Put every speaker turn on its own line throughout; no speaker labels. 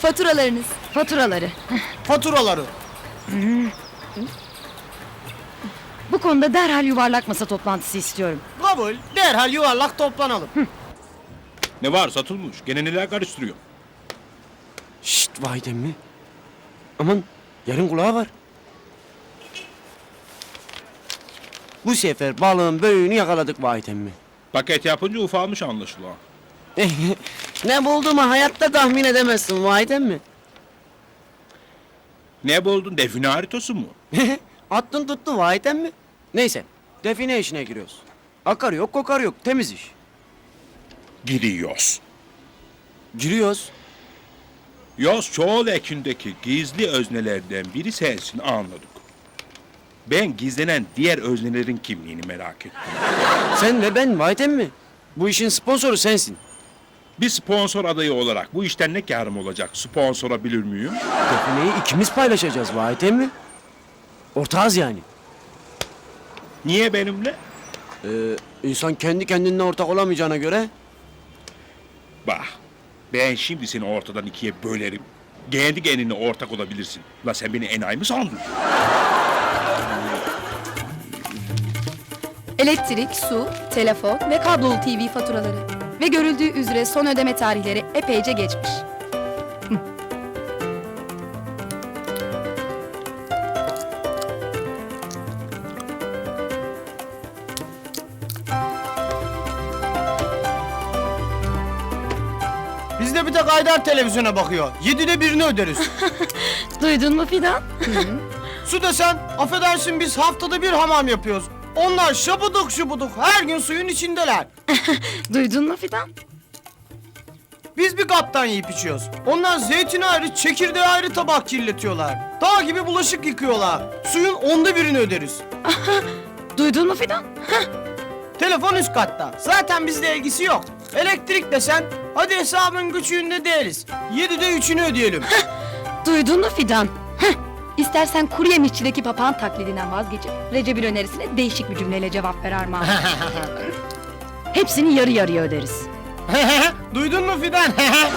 Faturalarınız.
Faturaları.
Faturaları.
Bu konuda derhal yuvarlak masa toplantısı istiyorum.
Kabul. Derhal yuvarlak toplanalım.
Ne var satılmış? Gene neler karıştırıyor?
Şşt vay mi? Aman yarın kulağı var. Bu sefer balığın büyüğünü yakaladık vay mi?
Paket yapınca ufalmış anlaşılan.
Ne bulduğumu hayatta tahmin edemezsin vay mi?
Ne buldun? Define haritası mı?
Attın tuttu vay mi? Neyse define işine giriyoruz. Akar yok kokar yok temiz iş.
Giriyoruz.
Giriyoruz.
Yoz çoğul ekindeki gizli öznelerden biri sensin anladık. Ben gizlenen diğer öznelerin kimliğini merak ettim.
Sen ve ben vay mi? Bu işin sponsoru sensin.
Bir sponsor adayı olarak bu işten ne kârım olacak? Sponsora bilir miyim?
Defineyi ikimiz paylaşacağız vay mi? Ortağız yani.
Niye benimle?
İnsan kendi kendine ortak olamayacağına göre
Bak, ben şimdi seni ortadan ikiye bölerim. Kendi kendine ortak olabilirsin. La sen beni enayi mi sandın?
Elektrik, su, telefon ve kablolu TV faturaları. Ve görüldüğü üzere son ödeme tarihleri epeyce geçmiş.
Biz de bir tek Haydar televizyona bakıyor. 7'de birini öderiz.
Duydun mu Fidan?
Su desen, affedersin biz haftada bir hamam yapıyoruz. Onlar şabuduk şubuduk her gün suyun içindeler.
Duydun mu Fidan?
Biz bir kaptan yiyip içiyoruz. Onlar zeytin ayrı, çekirdeği ayrı tabak kirletiyorlar. Dağ gibi bulaşık yıkıyorlar. Suyun 1/10'unu öderiz.
Duydun mu Fidan?
Telefon üst katta. Zaten bizle ilgisi yok. Elektrik desen, hadi hesabın küçüğünde değiliz. 7'de 3'ünü ödeyelim.
Duydun mu Fidan?
İstersen kuru yemişçideki papağan taklidinden vazgeçip Recep'in önerisine değişik bir cümleyle cevap ver Armağan.
Hepsini yarı yarıya öderiz.
Duydun mu Fidan?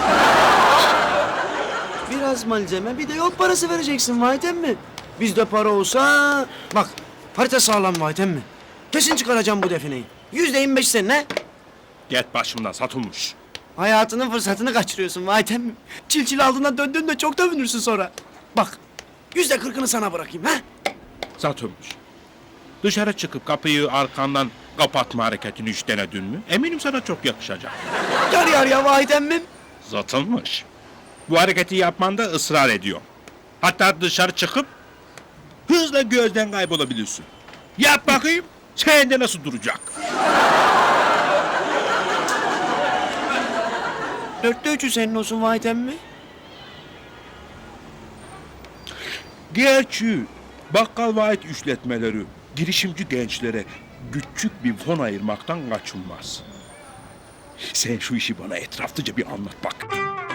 biraz malzeme bir de yol parası vereceksin vay mi? Bizde para olsa bak harita sağlam vay mi? Kesin çıkaracağım bu defineyi. %25 senin ne?
Get başımdan satılmış.
Hayatının fırsatını kaçırıyorsun vay mi? Çil aldığından döndüğünde çok dövünürsün sonra. Bak %40'ını sana bırakayım ha?
Satılmış. Dışarı çıkıp kapıyı arkandan kapatma hareketini hiç denedin mi? Eminim sana çok yakışacak.
Yarı yarıya vay emmim.
Satılmış. Bu hareketi yapmanda ısrar ediyor. Hatta dışarı çıkıp hızla gözden kaybolabilirsin. Yap bakayım. Sende nasıl duracak?
4'te 3'ü senin olsun vay emmi.
Gerçi bakkal vaat işletmeleri girişimci gençlere küçük bir fon ayırmaktan kaçınmaz. Sen şu işi bana etraflıca bir anlat bak.